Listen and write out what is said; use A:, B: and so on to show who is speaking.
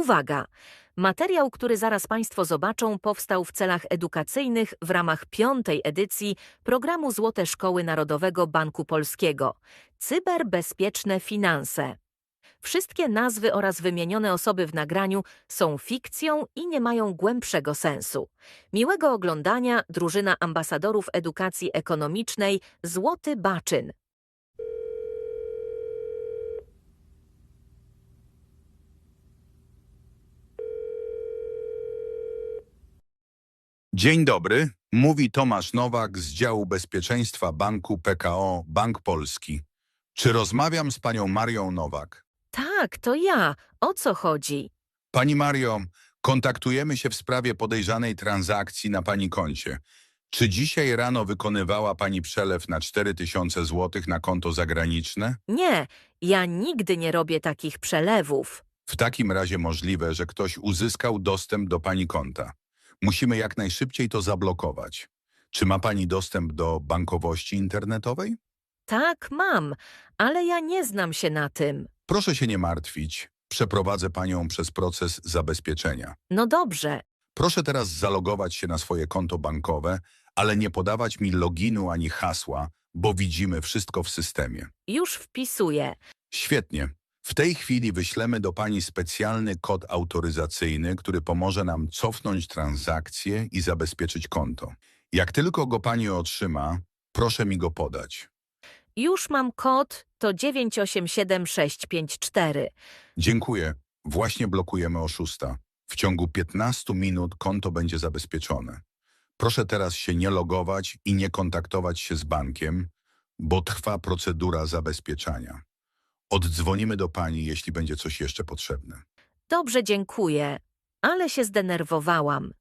A: Uwaga! Materiał, który zaraz Państwo zobaczą, powstał w celach edukacyjnych w ramach 5. edycji programu Złote Szkoły Narodowego Banku Polskiego. Cyberbezpieczne finanse. Wszystkie nazwy oraz wymienione osoby w nagraniu są fikcją i nie mają głębszego sensu. Miłego oglądania, drużyna ambasadorów edukacji ekonomicznej Złoty Baczyn.
B: Dzień dobry, mówi Tomasz Nowak z działu bezpieczeństwa Banku PKO Bank Polski. Czy rozmawiam z panią Marią Nowak?
A: Tak, to ja. O co chodzi?
B: Pani Mario, kontaktujemy się w sprawie podejrzanej transakcji na pani koncie. Czy dzisiaj rano wykonywała pani przelew na 4000 zł na konto zagraniczne?
A: Nie, ja nigdy nie robię takich przelewów.
B: W takim razie możliwe, że ktoś uzyskał dostęp do pani konta. Musimy jak najszybciej to zablokować. Czy ma pani dostęp do bankowości internetowej?
A: Tak, mam, ale ja nie znam się na tym.
B: Proszę się nie martwić. Przeprowadzę panią przez proces zabezpieczenia.
A: No dobrze,
B: Proszę teraz zalogować się na swoje konto bankowe, ale nie podawać mi loginu ani hasła, bo widzimy wszystko w systemie.
A: już wpisuję.
B: Świetnie. W tej chwili wyślemy do pani specjalny kod autoryzacyjny, który pomoże nam cofnąć transakcję i zabezpieczyć konto. Jak tylko go pani otrzyma, proszę mi go podać.
A: Już mam kod, to 987654.
B: Dziękuję. Właśnie blokujemy oszusta. W ciągu 15 minut konto będzie zabezpieczone. Proszę teraz się nie logować i nie kontaktować się z bankiem, bo trwa procedura zabezpieczania. Oddzwonimy do pani, jeśli będzie coś jeszcze potrzebne.
A: Dobrze, dziękuję, ale się zdenerwowałam.